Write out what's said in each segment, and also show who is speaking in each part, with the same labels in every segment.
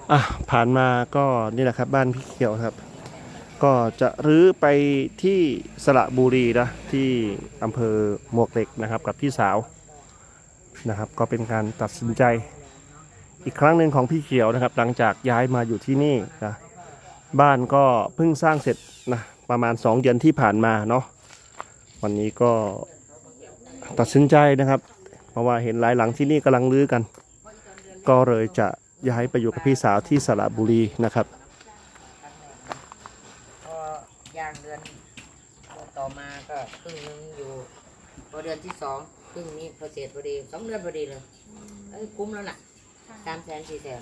Speaker 1: อ่ะผ่านมาก็นี่แหละครับบ้านพี่เขียวครับก็จะรื้อไปที่สระบุรีนะที่อำเภอมวกเหล็กนะครับกับพี่สาวนะครับก็เป็นการตัดสินใจอีกครั้งหนึ่งของพี่เขียวนะครับหลังจากย้ายมาอยู่ที่นี่นะบ้านก็เพิ่งสร้างเสร็จนะประมาณ2 เดือนที่ผ่านมาเนาะวันนี้ก็ตัดสินใจนะครับเพราะว่าเห็นหลายหลังที่นี่กำลังรื้อกันก็เลยจะย้ายไปอยู่กับพี่สาวที่สระบุรีนะครับ
Speaker 2: พอย่างเดือนต่อมาก็ครึ่งนึงอยู่พอเดือนที่สองครึ่งนี้พอเสร็จพอดี2 เดือนพอดีเลยคุ้มแล้วน่ะ300,000 400,000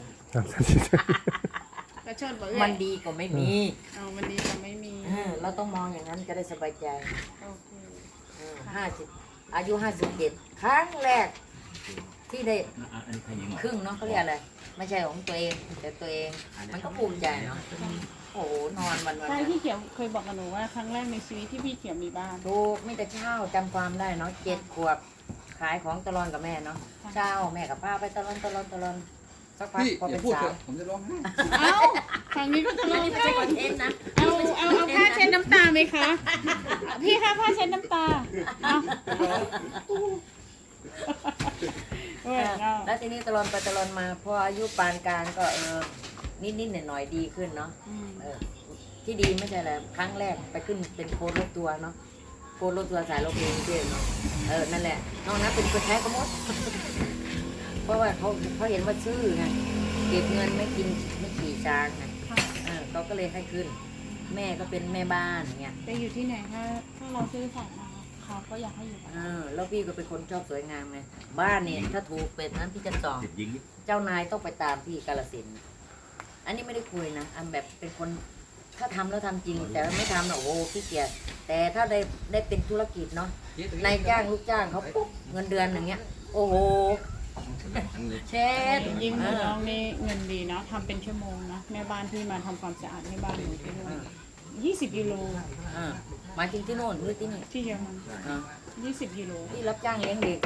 Speaker 3: กระชดบอก
Speaker 2: มันดีกว่าไม่มี
Speaker 3: เอามันดีกว่าไม่มี
Speaker 2: เราต้องมองอย่างนั้นจะได้สบายใจ
Speaker 3: โอเค
Speaker 2: 50อายุ57ครั้งแรกที่ได้ครึ่งเนาะเขาเรียกอะไรไม่ใช่ของตัวเองแต่ตัวเองมันก็ภูมิใจเนาะโอ้โหนอนวัน
Speaker 3: ใช่พี่เขียวเคยบอกกับหนูว่าครั้งแรกในชีวิตที่พี่เขียวมีบ้าน
Speaker 2: ถูกมีแต่เช้าจำความได้เนาะ7 ขวบขายของตลอดกับแม่เนาะเช้าแม่กับป้าไปตลอดสักพัก
Speaker 4: พี่
Speaker 2: พอ
Speaker 4: อ
Speaker 2: เป็
Speaker 4: ย่าน พูด
Speaker 2: สา
Speaker 4: เถ
Speaker 2: ว
Speaker 4: อะผมจะร้องไห้
Speaker 3: เอ้าครั้งนี้ก็จะร้อง
Speaker 2: นี่ไม่
Speaker 3: ไห้
Speaker 2: ใช่คอนเทนต์นะ
Speaker 3: เอาผ้าเช็ดน้ำตาไหมคะ พี่คะผ้าเช็ดน้ำตาเอาเว้ยเอา
Speaker 2: แล้วทีนี้ตลอดไปตลอดมาพออายุปานกลางก็นิดหน่อยๆดีขึ้นเนาะ
Speaker 3: อืม
Speaker 2: ที่ดีไม่ใช่อะไรครั้งแรกไปขึ้นเป็นโค้ดรถทัวร์เนาะโค้ดรถทัวร์สายรถเมล์เที่เนาะนั่นแหละนอกนั้นเป็นคนใช้ก็หมด เพราะว่าเขาเห็นว่าชื่อไงเก็บเงินไม่กินไม่ขี่ช้างไง
Speaker 3: ค่ะ
Speaker 2: เขาก็เลยให้ขึ้น แม่ก็เป็นแม่บ้านเงี้ย
Speaker 3: ไปอยู่ที่ไหนถ้าเราซื้อสัตว์มาเขาก็อยากให้อยู่กับเรา
Speaker 2: แล้วพี่ก็เป็นคนชอบสวยงามไงบ้านเนี่ยถ้าถูกเป็นนั้นพี่จะส่องเจ้านายต้องไปตามพี่กาฬสินธุ์อันนี้ไม่ได้คุยนะอันแบบเป็นคนถ้าทำแล้วทำจริง แต่ไม่ทำนะโอ้โหขี้เกียจแต่ถ้าได้เป็นธุรกิจเนาะนายจ้างลูกจ้างเขาปุ๊บเงินเดือนอย่างเงี้ย โอ้โหเช็ด
Speaker 3: ยิ่งหนูน้องนี่เงินดีเนาะทำเป็นชั่วโมงนะแม่บ้านที่มาทำความสะอาดให้บ้านหนูที่นู่น20 กิโล
Speaker 2: หมายถึงที่โน่นหรือที่นี่
Speaker 3: ที่เยอรมัน
Speaker 2: อ่า
Speaker 3: 20 กิโล
Speaker 2: ที่รับจ้างเลี้ยงเด็ก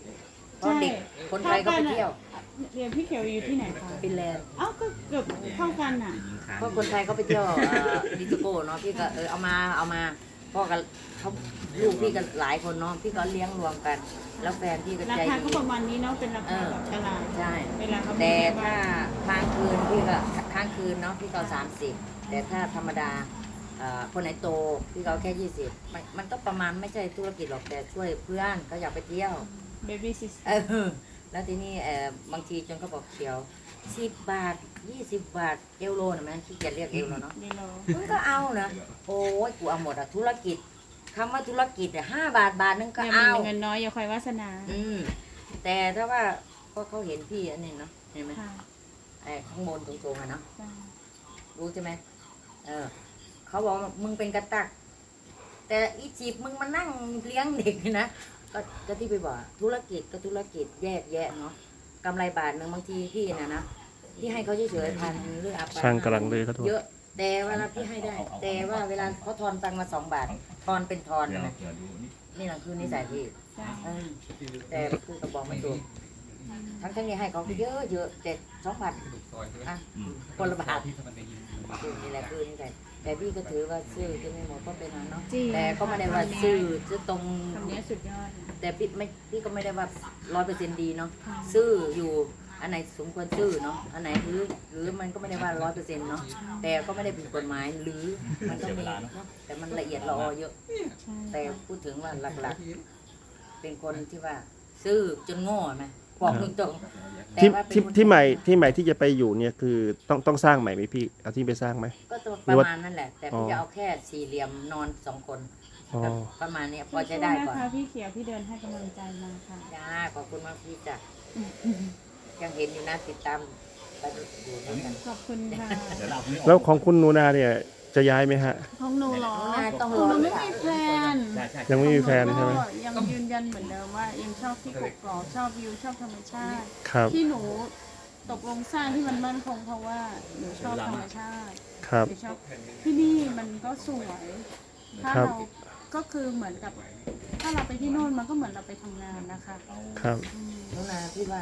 Speaker 2: 20เพราะเด็กคนไทยก็ไปเที่ยว
Speaker 3: เรียนพี่เขียวอยู่ที่ไหนคะ
Speaker 2: ฟินแลนด์
Speaker 3: เอ้าก็เกือบเท่ากันน่ะ
Speaker 2: เพราะคนไทยเขาไปเที่ยวดิจิโก้เนาะพี่ก็เอามาพ่อกับเขาลูกพี่ก็หลายคนเนาะพี่ก็เลี้ยงรวมกัน แล้วแฟนพี่ก็
Speaker 3: รา
Speaker 2: ใจ
Speaker 3: คา
Speaker 2: ดี
Speaker 3: ก็ประมาณนี้เนาะเป็นราคาแบบตลาด
Speaker 2: ใช่
Speaker 3: เวลาเขา
Speaker 2: แต่ถ้าค้างคืนพี่ก็ค้างคืนเนาะพี่ก็30แต่ถ้าธรรมดาคนไหนโตพี่ก็แค่20มันก็ประมาณไม่ใช่ธุรกิจหรอกแต่ช่วยเพื่อนเขาอยากไปเที่ยว
Speaker 3: เบบี้ซิส
Speaker 2: แล้วทีนี้บางทีจนเขาบอกเขียว10 บาท20 บาทเอวโลนะแม่ขี้เกียจเรียกเอวแล้วเนาะ
Speaker 3: ดีโล
Speaker 2: มึงก็เอานะโอ้ยกูเอาหมดอะธุรกิจคำว่าธุรกิจอะ5 บาทบาทนึงก็
Speaker 3: ยัง
Speaker 2: เอา
Speaker 3: มีเงินน้อยอย่าคอยวาสนา
Speaker 2: แต่ถ้าว่าก็เขาเห็นพี่อันนี้เนาะเห็นไหม
Speaker 3: ค่ะ
Speaker 2: ข้างบนตรงๆอะเนาะ
Speaker 3: จ้ะ
Speaker 2: รู้ใช่ไหมเขาบอกว่ามึงเป็นกระตัก แต่อีจีบมึงมานั่งเลี้ยงเด็กนะก็ที่ไปบอกธุรกิจก็ธุรกิจแยกแยะเนาะกำไรบาทหนึ่งบางทีพี่นะที่ให้เขาเฉยๆ1,000หรืออะไร
Speaker 1: ช่างกำลังเลยครับทุกคน
Speaker 2: เยอะ แต่เวลาพี่ให้ได้ แต่ว่าเวลาเขาทอนตังค์มา2 บาททอนเป็นทอนนะนี่แหละคือนิสัยพี่
Speaker 3: จ้ะ
Speaker 2: แต่พูดกับบอกไม่ถูกทั้งนี้ให้เขาเยอะเยอะแต่2 บาทอ่ะคนละบาทนี่แหละคือนิสัยแต่พี่ก็ถือว่าซื่อจะไม่หมดก็เป็นนะเนาะแต่ก็ไม่ได้ว่าซื่อจะตรง
Speaker 3: คำนี้สุดยอดนะ
Speaker 2: แต่พี่ก็ไม่ได้ว่า100%ดีเนาะซื่ออยู่อันไหนสมควรซื่อเนาะอันไหนหรือมันก็ไม่ได้ว่า100%เนาะแต่ก็ไม่ได้ผิดกฎหมายหรือมันก็มีเนาะแต่มันละเอียดละออเยอะ
Speaker 3: ใช่
Speaker 2: แต่พูดถึงว่าหลักๆ เป็นคนที่ว่าซื่อจนโง่ไหมบอกตรงๆแต่
Speaker 1: ที่
Speaker 2: ว่าเป็น
Speaker 1: ที่
Speaker 2: คน
Speaker 1: ที่ใหม่ที่จะไปอยู่เนี่ยคือต้องสร้างใหม่ไหมพี่เอาที่ไปสร้างไหม
Speaker 2: ก็ตัวประมาณนั่นแหละ แต่พี่
Speaker 1: อ๋อ
Speaker 2: จะเอาแค่4 เหลี่ยมนอน2 คน
Speaker 1: อ๋อ
Speaker 2: ประมาณเนี้ยพ
Speaker 3: สู้
Speaker 2: อจะได้
Speaker 3: ๆ
Speaker 2: ก่อน
Speaker 3: นะคะพี่เขียวพี่เดินให้กำลังใจมาค่ะ
Speaker 2: จ้าขอบคุณมากพี่จ้ะยังเห็นอยู่นะติดตามไปอยู่ด้วยกัน
Speaker 3: ขอบคุณค่ะ
Speaker 1: แล้วของคุณนูนาเนี่ยจะย้ายไหมฮะ
Speaker 3: ของหนูเหรอ
Speaker 2: ต้อง
Speaker 3: ข
Speaker 2: ร
Speaker 3: อง
Speaker 2: อ
Speaker 3: หนูไม่มีแพลน
Speaker 1: ยังไม่มีแฟนใช่ไหม
Speaker 3: ก็ยังยืนยันเหมือนเดิมว่ายังชอบที่กกอกชอบวิวชอบธรรมชาติ
Speaker 1: ครับ
Speaker 3: ที่หนูตกลงสร้างที่มันมั่นคงเพราะว่าหนูชอบธรรมชาติ
Speaker 1: ครับ
Speaker 3: หนูชอบที่นี่มันก็สวย ถ้า
Speaker 1: ครับ
Speaker 3: เราก็คือเหมือนกับ ถ้าเราไปที่โน่นมันก็เหมือนเราไปทำงานนะคะ
Speaker 1: ครับ
Speaker 3: อืม
Speaker 2: น้องนาพี่ว่า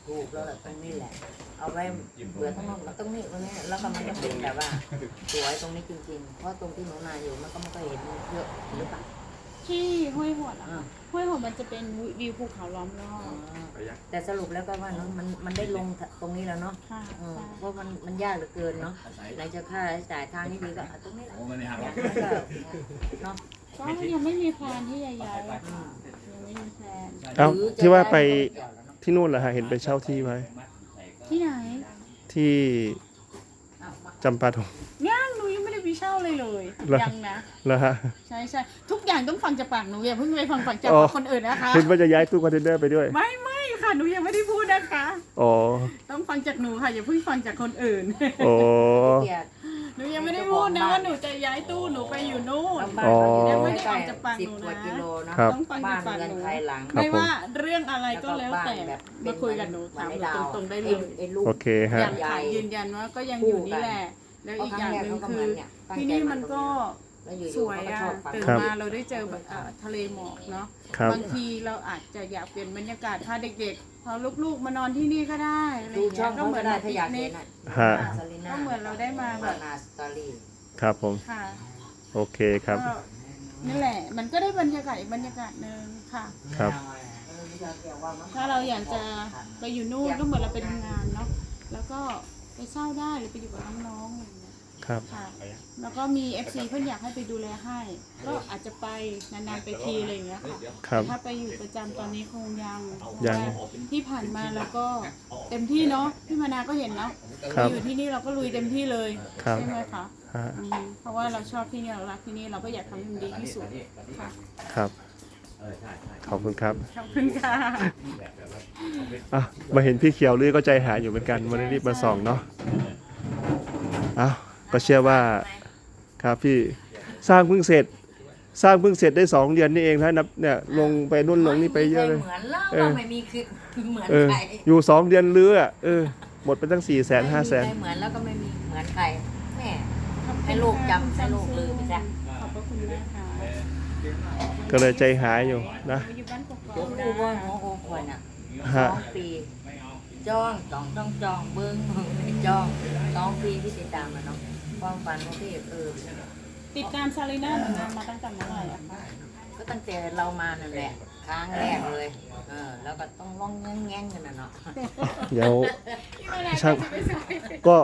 Speaker 2: ถูกแล้วแหละตรงนี้แหละ เอาไว้เบื่อทั้งนู้นมันต้องนี่ตรงนี้แล้วก็มันก็เป็นแบบว่าสวยตรงนี้จริงๆเพราะตรงที่หนูนาอยู่มันก็ไม่ค่อยเห็นเยอะหรือเปล่า
Speaker 3: ที่ห้วยหดอะ
Speaker 2: อ่า
Speaker 3: ห้วยหดมันจะเป็นวิวภูเขาล้อมรอบ
Speaker 2: แต่สรุปแล้วก็ว่าเนาะมันได้ลงตรงนี้แล้วเนาะ
Speaker 3: ค่ะ
Speaker 2: เพราะมันยากเหลือเกินเนาะไหนจะค่าใช้จ่ายทางนี้ดีก็เอาตรงนี้แหละอย่างนั้นก็เนาะ
Speaker 3: ก็ยังไม่มีแพลนที่จะย้ายอะค่ะยังไม่มีแพลน
Speaker 1: เอ้า
Speaker 2: หรือจะ
Speaker 1: ที่ว่าไป
Speaker 2: ด้เกี่ยวแล้วเนาะ
Speaker 1: ที่นู่นเหรอฮะเห็นไปเช่าที่ไว้
Speaker 3: ที่ไหน
Speaker 1: ที่จำปาดง
Speaker 3: ยังหนูยังไม่ได้ไปเช่าเลยเลย
Speaker 1: เหรอ
Speaker 3: ยังนะ
Speaker 1: แล้วฮะ
Speaker 3: ใช่ใช่ทุกอย่างต้องฟังจากปากหนูอย่าเพิ่งไปฟังจาก
Speaker 1: อ๋อ
Speaker 3: ปากคนอื่นนะคะ
Speaker 1: เห็นว่าจะย้ายตู้คอนเทนเนอร์ไปด้วย
Speaker 3: ไม่ค่ะหนูยังไม่ได้พูดนะคะ
Speaker 1: อ๋อ
Speaker 3: ต้องฟังจากหนูค่ะอย่าเพิ่งฟังจากคนอื่น
Speaker 1: อ๋อ
Speaker 2: เกียรติ
Speaker 3: หนูยังไม่ได้พูดนะว่าหนูจะย้ายตู้หนูไปอยู่นู่น
Speaker 2: บ้านเราอยู่
Speaker 3: ยังไม่
Speaker 2: ใก
Speaker 3: ได้อ
Speaker 2: ล้
Speaker 3: อกจากปาก
Speaker 2: สิบ
Speaker 3: หนู
Speaker 2: กว่า
Speaker 3: นะ
Speaker 2: กิโลเนาะ
Speaker 1: ครับ
Speaker 3: ต้องฟัง
Speaker 2: บ้า
Speaker 3: จาก
Speaker 2: น
Speaker 3: ปาก
Speaker 2: เรือน
Speaker 3: หนู
Speaker 2: ภายหลัง
Speaker 1: ครับ
Speaker 3: ไม่ว่าเรื่องอะไรก็แล้วแต่
Speaker 2: บบ
Speaker 3: มาคุยกับหนูถามหนูตรงๆได้เลย
Speaker 2: ไอ้ลูก
Speaker 1: โอเคฮะ
Speaker 3: ยังค่ะยืนยันว่าก็ยังอยู่นี่แหละ แล้วอีกอย่างหนึ่งคือที่นี่มันก็
Speaker 2: แล้วอยู่
Speaker 3: ส
Speaker 2: ๆ
Speaker 3: วย
Speaker 2: เขาก็
Speaker 3: อ่ะ
Speaker 2: ชอบฟัง
Speaker 3: ตื่น
Speaker 1: ครับ
Speaker 3: มาเราได้เจอแบบทะเลหมอกเนาะ
Speaker 1: ครับ
Speaker 3: บางทีเราอาจจะอยากเปลี่ยนบรรยากาศพาเด็กๆพาลูกๆมานอนที่นี่ก็ได้อะไรอ
Speaker 2: ดู
Speaker 3: ย่าง
Speaker 2: ช่
Speaker 3: เงี้
Speaker 2: อย ง
Speaker 3: ก็
Speaker 2: เขา
Speaker 3: เหมื
Speaker 2: ก็
Speaker 3: อน
Speaker 2: ได้
Speaker 3: แบบ
Speaker 2: ถ้าอยาก
Speaker 3: ปิ
Speaker 2: เห็
Speaker 3: ก
Speaker 2: น
Speaker 3: นิก
Speaker 1: ฮะ
Speaker 2: ซาลิน่า
Speaker 3: ก็เหมือนเราได้มาแบบ
Speaker 2: นาสตอรี่
Speaker 1: ครับผม
Speaker 3: ค่ะ
Speaker 1: โอเคครับ
Speaker 3: ก็นี่แหละ มันก็ได้บรรยากาศอีกบรรยากาศหนึ่งค่ะ
Speaker 1: ครับ
Speaker 3: ถ้าเราอยากจะไปอยู่นู่นก็เหมือนเราไปทำงานเนาะแล้วก็ไปเช่าได้หรือไปอยู่กับน้องๆอะไรอย่างเงี้ย
Speaker 1: ครับ
Speaker 3: ค่ะ แล้วก็มี FC เพื่อนอยากให้ไปดูแลให้ ก็อาจจะไปนานๆไปทีอะไรอย่างเงี้ยค่ะ
Speaker 1: ครับ
Speaker 3: แต่ถ้าไปอยู่ประจำตอนนี้คงยัง
Speaker 1: ยัง
Speaker 3: เพราะว่าที่ผ่านมาเราก็เต็มที่เนาะพี่มานาก็เห็นเนาะ
Speaker 1: ครับ
Speaker 3: อยู่ที่นี่เราก็ลุยเต็มที่เลย
Speaker 1: ครับ
Speaker 3: ใช่ไหมคะ
Speaker 1: ฮะ
Speaker 3: เพราะว่าเราชอบที่นี่เรารักที่นี่เราก็อยากทำให้มันดีที่สุดค่ะ
Speaker 1: ครับ ขอบคุณครับ
Speaker 3: ขอบคุณค่ะ
Speaker 1: อ่ะมาเห็นพี่เขียวลือก็ใจหายอยู่เหมือนกันวันนี้รีบมาส่องเนาะอ้าวก็เชื่อว่าครับพี่สร้างเพิ่งเสร็จ สร้างเพิ่งเสร็จได้2 เดือนนี่เองนะนับเนี่ยลงไปนู่นลงนี่ไปเยอะเลย
Speaker 2: เหมือนเล่า
Speaker 1: เออ
Speaker 2: ก็ไม่มีคือเหมือน
Speaker 1: เออ
Speaker 2: ใคร
Speaker 1: อยู่2 เดือนลืออ่ะหมดไปตั้ง400,000
Speaker 2: ไม่มี
Speaker 1: 500,000
Speaker 2: ใครเหมือนแล้วก็ไม่มีเหมือนใครแม่ให้ลูกจำให้ลูกลืมไปซะ
Speaker 3: ขอบพระคุณมากค่ะ
Speaker 1: ก็เลยใจหายอยู่นะ
Speaker 3: อยู่บ้านกอก
Speaker 2: ลูก
Speaker 3: ๆ
Speaker 2: ดูว่า
Speaker 3: นะ
Speaker 2: หัวโอ้คนอ่ะ
Speaker 1: ฮะ
Speaker 2: 2 ปีจ้องต้องจองเบิ้งไม่จ้อง2 ปีที่ติดตามมาเนาะความฝันของพี่
Speaker 3: ติดตามซาลีน่าหนูมาตั้งแต่เมื่อไหร่อะคะ
Speaker 2: ก็ตั้งแต่เรามานั่นแหละครั้งแรกเลยแล้วก็ต้องร้องแง่งๆกันนะเนาะ
Speaker 1: เดี๋ยว
Speaker 3: พี่มานา
Speaker 1: ช่าง
Speaker 3: จะไปสาย
Speaker 1: ก็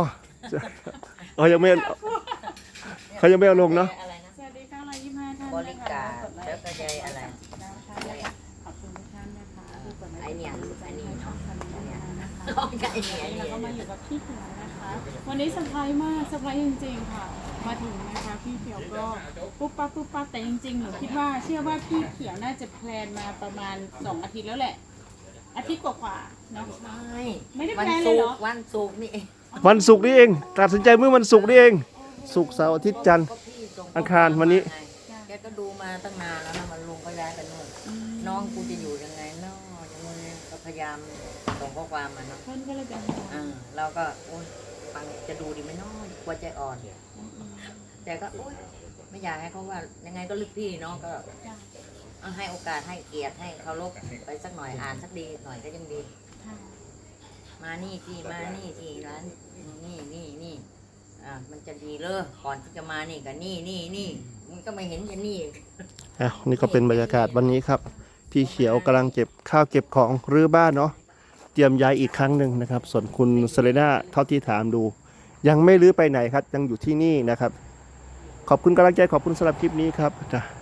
Speaker 1: ยังไม่เขายังไม่เอาลงเนาะ
Speaker 2: อะไรนะ
Speaker 3: สวัสดีค่ะ125ท่าน
Speaker 2: บริการแล้วก็ใจอะไร
Speaker 3: ขอบคุณทุกท่านนะคะที่กด
Speaker 2: ไอ้เนี่ยไอ้นี่เนาะ
Speaker 3: นะคะ
Speaker 2: ร้องไอ้เนี่ยไอ้
Speaker 3: เรา
Speaker 2: เนี่ย
Speaker 3: ก็มาอยู่กับพี่เขียวนะคะ วันนี้เซอร์ไพรส์มากเซอร์ไพรส์จริงๆค่ะ มาถึงนะคะพี่เขียวก็ปุ๊บปั๊บแต่จริงๆหนูคิดว่าเชื่อว่าพี่เขียวน่าจะแพลนมาประมาณ2 อาทิตย์แล้วแหละ อาทิตย์กว่าๆเนาะ ไม่ได้
Speaker 2: วัน
Speaker 3: แพลนเล
Speaker 2: ศุ
Speaker 3: ย
Speaker 2: ก
Speaker 3: เหรอ
Speaker 2: ร์วันศุกร์นี่เอง
Speaker 1: วันศุกร์นี่เองตัดสินใจเมื่อวันศุกร์นี่เองศุกร์เสาร์อาทิตย์จันทร์
Speaker 2: ก็พี่ส่ง
Speaker 1: อังคารวันนี้
Speaker 2: แกก็ดูมาตั้งนานแล้วนะมันลุงก็ย้ายกันนู่นน้องกูจะอยู่ยังไงเนาะยังไงก็พยายามส่งข้อความมาเนาะ
Speaker 3: เพื่อนก็เลยเป็นห่วง
Speaker 2: เราก็โอ๊ยฟังจะดูดีไหมเนาะกลัวใจอ่อน แต่ก็โอ๊ยไม่อยากให้เขาว่ายังไงก็ลึกพี่เนาะก็
Speaker 3: จ้ะ
Speaker 2: เอาให้โอกาสให้เกียรติให้เคารพไปสักหน่อยอ่านสักดีหน่อยก็ยังดี
Speaker 3: ค่ะ
Speaker 2: มานี่ที่ร้านนี่มันจะดีเลยก่อนที่จะมานี่กับนี่มันก็ไม่เห็นจะนี่
Speaker 1: นี่ก็เป็นบรรยากาศวันนี้ครับ พี่เขียวกำลังเก็บข้าวเก็บของรื้อบ้านเนาะเตรียมย้ายอีกครั้งหนึ่งนะครับ ส่วนคุณเซเลน่าเท่าที่ถามดู ยังไม่รื้อไปไหนครับ ยังอยู่ที่นี่นะครับ ขอบคุณกำลังใจขอบคุณสำหรับคลิปนี้ครับจ้ะ